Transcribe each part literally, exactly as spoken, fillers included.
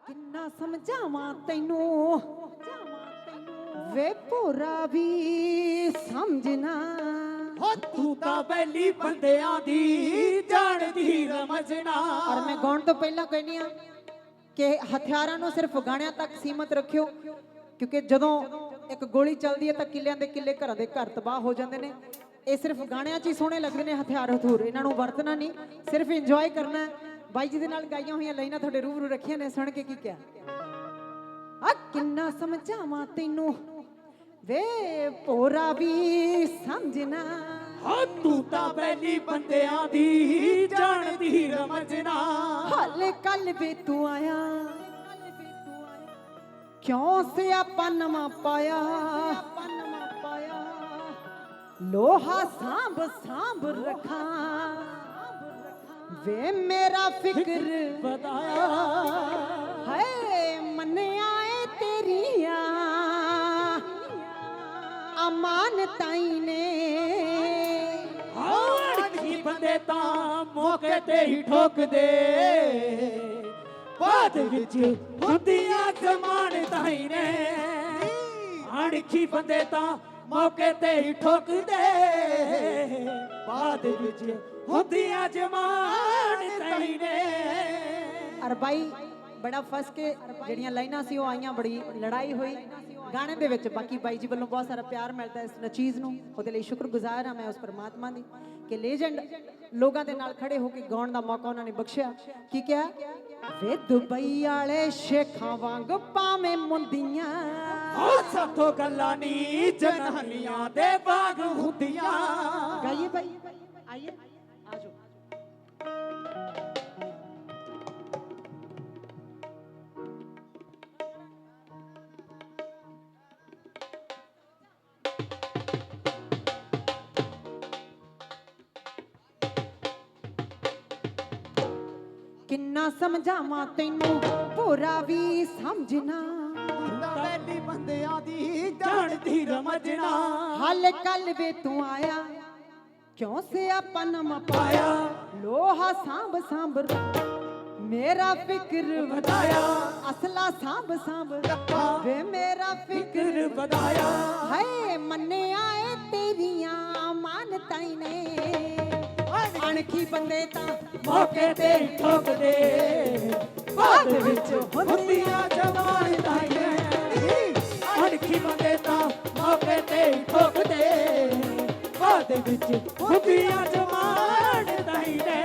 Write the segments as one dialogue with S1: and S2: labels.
S1: ਕਿੰਨਾ ਸਮਝਾਵਾਂ ਤੈਨੂੰ ਵੇ ਭੋਰਾ ਵੀ ਸਮਝਣਾ
S2: ਹੋ ਤੂੰ ਤਾਂ ਬੈਲੀ ਬੰਦਿਆਂ ਦੀ ਜਾਣਦੀ ਰਮਜਣਾ।
S1: ਔਰ ਮੈਂ ਗਾਉਣ ਤੋਂ ਪਹਿਲਾਂ ਕਹਿੰਦੀ ਆ ਕਿ ਹਥਿਆਰਾਂ ਨੂੰ ਸਿਰਫ ਗਾਣਿਆਂ ਤੱਕ ਸੀਮਤ ਰੱਖਿਓ, ਕਿਉਂਕਿ ਜਦੋਂ ਇੱਕ ਗੋਲੀ ਚੱਲਦੀ ਹੈ ਤਾਂ ਕਿੱਲਿਆਂ ਦੇ ਕਿੱਲੇ ਘਰਾਂ ਦੇ ਘਰ ਤਬਾਹ ਹੋ ਜਾਂਦੇ ਨੇ। ਇਹ ਸਿਰਫ ਗਾਣਿਆਂ 'ਚ ਹੀ ਸੋਹਣੇ ਲੱਗਦੇ ਨੇ ਹਥਿਆਰ ਹਥੂਰ, ਇਹਨਾਂ ਨੂੰ ਵਰਤਣਾ ਨਹੀਂ, ਸਿਰਫ ਇੰਜੋਏ ਕਰਨਾ ਹੈ। ਬਾਈ ਜੀ ਦੇ ਨਾਲ ਗਾਈਆਂ ਹੋਈਆਂ ਲਾਈਨਾਂ ਤੁਹਾਡੇ ਰੂਬਰੂ ਰੱਖੀਆਂ ਨੇ, ਸੁਣ ਕੇ ਕੀ ਕਿਹਾ? ਆ ਕਿੰਨਾ ਸਮਝਾਵਾਂ ਤੈਨੂੰ ਵੇ ਭੋਰਾ ਵੀ ਸਮਝਣਾ।
S2: ਹਾਂ ਤੂੰ ਤਾਂ ਬੈਲੀ ਬੰਦਿਆਂ ਦੀ ਜਾਣਦੀ ਰਮਜਣਾ।
S1: ਹਾਲੇ ਕੱਲ ਵੇ ਤੂੰ ਆਇਆ ਕਿਉਂ ਸਿਆਪਾ ਨਵਾਂ ਪਾਇਆ, ਲੋਹਾ ਸਾਂਭ ਸਾਂਭ ਰੱਖਾਂ ਵੇ ਮੇਰਾ ਫਿਕਰ
S2: ਬਤਾਇਆ।
S1: ਹੈ ਮੰਨਿਆ ਏ ਤੇਰੀਆਂ ਅਮਾਨ ਤਾਈ ਨੇ।
S2: ਅੜਖੀ ਬੰਦੇ ਤਾਂ ਮੌਕੇ ਤੇ ਹੀ ਠੋਕਦੇ, ਬਾਅਦ ਵਿੱਚ ਹੁੰਦੀਆਂ ਜਮਾਨ ਤਾਈ ਨੇ। ਅੜਖੀ ਬੰਦੇ ਤਾਂ ਮੌਕੇ ਤੇ ਹੀ ਠੋਕਦੇ, ਬਾਅਦ ਵਿੱਚ ਹੁੰਦੀਆਂ ਜਮਾਨ ਤਾਈ ਨੇ।
S1: ਅਰ ਬਾਈ ਬੜਾ ਫਸ ਕੇ ਜਿਹੜੀਆਂ ਲਾਈਨਾਂ ਸੀ ਉਹ ਆਈਆਂ, ਬੜੀ ਲੜਾਈ ਹੋਈ ਗਾਣੇ ਦੇ ਵਿੱਚ। ਬਾਕੀ ਬਾਈ ਜੀ ਵੱਲੋਂ ਬਹੁਤ ਸਾਰਾ ਪਿਆਰ ਮਿਲਦਾ ਇਸ ਨਚੀਜ਼ ਨੂੰ, ਉਹਦੇ ਲਈ ਸ਼ੁਕਰਗੁਜ਼ਾਰ ਹਾਂ ਮੈਂ ਉਸ ਪਰਮਾਤਮਾ ਦੀ ਕਿ ਲੈਜੈਂਡ ਲੋਕਾਂ ਦੇ ਨਾਲ ਖੜੇ ਹੋ ਕੇ ਗਾਉਣ ਦਾ ਮੌਕਾ ਉਹਨਾਂ ਨੇ ਬਖਸ਼ਿਆ। ਕੀ ਕਿਹਾ? ਵੇ ਦੁਬਈ ਵਾਲੇ ਸ਼ੇਖਾਂ ਵਾਂਗ ਪਾਵੇਂ ਮੁੰਦੀਆਂ,
S2: ਹੋ ਸਾਥੋਂ ਗੱਲਾਂ ਨੀ ਜਨਾਨੀਆਂ ਦੇ ਬਾਗ ਹੁੰਦੀਆਂ।
S1: ਗਾਈਏ ਭਾਈ, ਆਈਏ ਆਜੋ। ਕਿੰਨਾ ਸਮਝਾਵਾਂ ਤੈਨੂੰ ਭੋਰਾ ਵੀ ਸਮਝਣਾ।
S2: ਬੈਲੀ ਬੰਦਿਆਂ ਦੀ ਜਾਣਦੀ ਰਮਜਣਾ।
S1: ਹਾਲੇ ਕੱਲ ਵੇ ਤੂੰ ਆਇਆ ਕਿਉਂ ਸਿਆਪਾ ਨਵਾਂ ਪਾਇਆ, ਲੋਹਾ ਸਾਂਭ ਸਾਂਭ ਮੇਰਾ ਫਿਕਰ
S2: ਵਧਾਇਆ।
S1: ਅਸਲਾ ਸਾਂਭ ਸਾਂਭ ਵੇ ਮੇਰਾ ਫਿਕਰ
S2: ਵਧਾਇਆ।
S1: ਹਾਏ ਮੰਨਿਆ ਏ ਤੇਰੀਆਂ ਮਾਨਤਾਈ ਨੇ। ਅਣਖੀ ਬੰਦੇ ਤਾਂ
S2: ਮੌਕੇ ਤੇ ਠੋਕਦੇ, ਬਾਅਦ ਵਿੱਚ ਹੁੰਦੀਆਂ ਜਮਾਨ ਤਾਈ ਨੇ। ਅਣਖੀ ਬੰਦੇ ਤਾਂ ਮੌਕੇ ਤੇ ਠੋਕਦੇ, ਬਾਅਦ ਵਿੱਚ ਹੁੰਦੀਆਂ ਜਮਾਨ ਤਾਈ ਨੇ।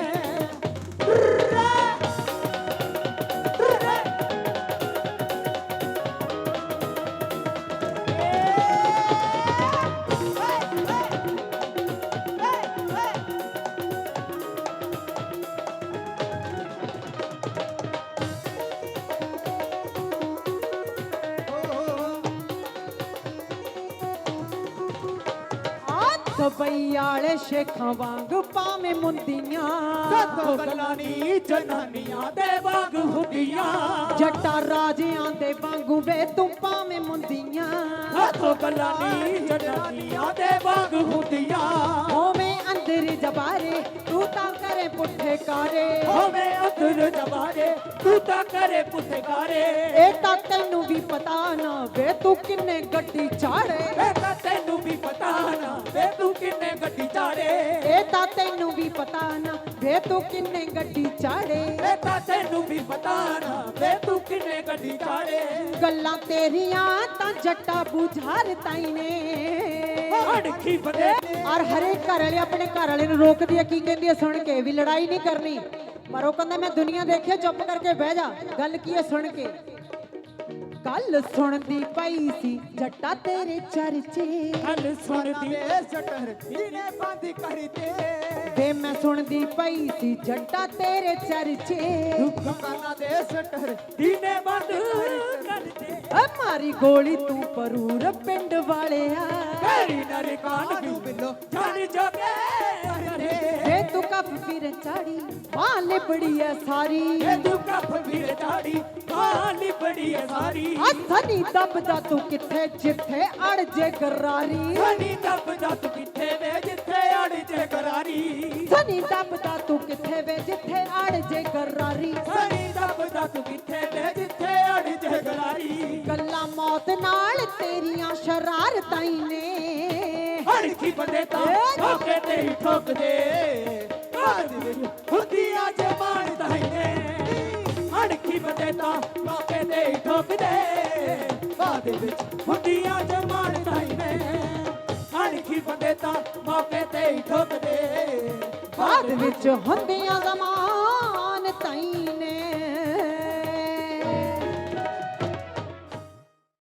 S1: ਦੁਬਈ ਵਾਲੇ ਸ਼ੇਖਾਂ ਵਾਂਗ ਪਾਵੇਂ ਮੁੰਦੀਆਂ,
S2: ਸਾਥੋਂ ਗੱਲਾਂ ਨੀ ਜਨਾਨੀਆਂ ਦੇ ਬਾਗ ਹੁੰਦੀਆਂ।
S1: ਜੱਟਾਂ ਰਾਜਿਆਂ ਦੇ ਵਾਂਗੂ ਵੇ ਤੂੰ ਪਾਵੇਂ ਮੁੰਦੀਆਂ,
S2: ਸਾਥੋਂ ਗੱਲਾਂ ਨੀ ਜਨਾਨੀਆਂ ਦੇ ਬਾਗ ਹੁੰਦੀਆਂ।
S1: ਹੋਵੇਂ ਅੰਦਰ ਜਬਾਰੇ ਤੂੰ ਤਾਂ ਕਰੇ ਪੁੱਠੇ ਕਾਰੇ,
S2: ਹੋਵੇਂ ਅੰਦਰ ਜਬਾਰੇ ਤੂੰ ਤਾਂ ਕਰੇ ਪੁੱਠੇ ਕਾਰੇ।
S1: ਇਹ ਤਾਂ ਤੈਨੂੰ ਵੀ ਪਤਾ ਨਾ ਵੇ ਤੂੰ ਕਿੰਨੇ ਗੱਡੀ ਚਾੜੇ,
S2: ਇਹ ਤਾਂ ਤੈਨੂੰ ਵੀ ਪਤਾ ਨਾ ਵੇ ਤੂੰ ਕਿੰਨੇ ਗੱਡੀ ਚਾੜੇ।
S1: ਇਹ ਤਾਂ ਤੈਨੂੰ ਵੀ ਪਤਾ ਨਾ ਵੇ ਤੂੰ ਕਿੰਨੇ ਗੱਡੀ ਚਾੜੇ।
S2: ਇਹ ਤਾਂ ਤੈਨੂੰ ਵੀ ਪਤਾ ਨਾ ਵੇ ਤੂੰ ਕਿੰਨੇ ਗੱਡੀ ਚਾੜੇ।
S1: ਗੱਲਾਂ ਤੇਰੀਆਂ ਤਾਂ ਜੱਟਾ ਬੁਝਾਰ ਤਾਈ ਨੇ।
S2: ਅੜਖੀ ਬੰਦੇ
S1: ਔਰ ਹਰੇਕ ਘਰ ਵਾਲੇ ਆਪਣੇ ਘਰ ਵਾਲੇ ਨੂੰ ਰੋਕਦੀ ਆ, ਕੀ ਕਹਿੰਦੀ ਆ ਸੁਣ ਕੇ ਵੀ ਲੜਾਈ ਨਹੀਂ ਕਰਨੀ, ਪਰ ਉਹ ਕਹਿੰਦਾ ਮੈਂ ਦੁਨੀਆ ਦੇਖਿਆ, ਚੁੱਪ ਕਰਕੇ ਬਹਿ ਜਾ। ਗੱਲ ਕੀ ਹੈ ਸੁਣ ਕੇ? ਕੱਲ ਸੁਣਦੀ ਪਈ ਸੀ ਜੱਟਾ ਤੇਰੇ ਚਰਚੇ,
S2: ਗੱਲ ਸੁਣਦੀ ਸਟਰ ਦੀਨੇ ਬੰਦ ਕਰਤੇ।
S1: ਵੇ ਮੈਂ ਸੁਣਦੀ ਪਈ ਸੀ ਜੱਟਾ ਤੇਰੇ ਚਰਚੇ,
S2: ਦੁਕਾਨਾਂ ਦੇ ਸਟਰ ਦੀਨੇ ਬੰਦ ਕਰਤੇ।
S1: ਓ ਮਾਰੀ ਗੋਲੀ ਤੂੰ ਪਰੂਰ ਪਿੰਡ ਵਾਲਿਆ,
S2: ਮੇਰੀ ਨਰਕਾਨ ਨੂੰ ਬਿੱਲੋ ਜਾਣ ਜੋਗੇ
S1: ਵੇ ਤੂੰ ਕੱਪ ਫਿਰ ਚਾੜੀ ਮਾਂ ਲਿਬੜੀ ਐ ਸਾਰੀ,
S2: ਵੇ ਤੂੰ ਕੱਪ ਫਿਰ ਚਾੜੀ ਮਾਂ ਲਿਬੜੀ ਐ ਸਾਰੀ।
S1: ਸਨੀ ਦੱਬਦਾ ਤੂੰ ਕਿੱਥੇ ਜਿੱਥੇ ਅੜ ਜੇ ਗਰਾਰੀ,
S2: ਸਨੀ ਦੱਬਦਾ ਤੂੰ ਕਿੱਥੇ ਵੇ ਜਿੱਥੇ ਅੜ ਜੇ ਗਰਾਰੀ।
S1: ਸਨੀ ਦੱਬਦਾ ਤੂੰ ਕਿੱਥੇ ਵੇ ਜਿੱਥੇ ਅੜ ਜੇ ਗਰਾਰੀ।
S2: ਸਨੀ ਦੱਬਦਾ ਤੂੰ ਕਿੱਥੇ ਵੇ
S1: ਸ਼ਰਾਰਤਾਂ ਹੀ ਨੇ
S2: ਅਣਖੀ ਬੰਦੇ ਤਾਂ ਠੋਕੇ ਤੇ ਹੀ ਠੋਕਦੇ ਬਾਦ ਵਿੱਚ ਹੁੰਦੀਆਂ ਜਮਾਨਤਾਂ ਹੀ ਨੇ ਅਣਖੀ ਬੰਦੇ ਤਾਂ ਠੋਕੇ ਤੇ ਹੀ ਠੋਕਦੇ ਬਾਦ ਵਿੱਚ ਹੁੰਦੀਆਂ ਜਮਾਨਤਾਂ ਹੀ ਨੇ ਅਣਖੀ ਬੰਦੇ ਤਾਂ ਮੌਕੇ ਤੇ ਹੀ ਠੋਕਦੇ
S1: ਬਾਅਦ ਵਿੱਚ ਹੁੰਦੀਆਂ ਜ਼ਮਾਨਤਾਂ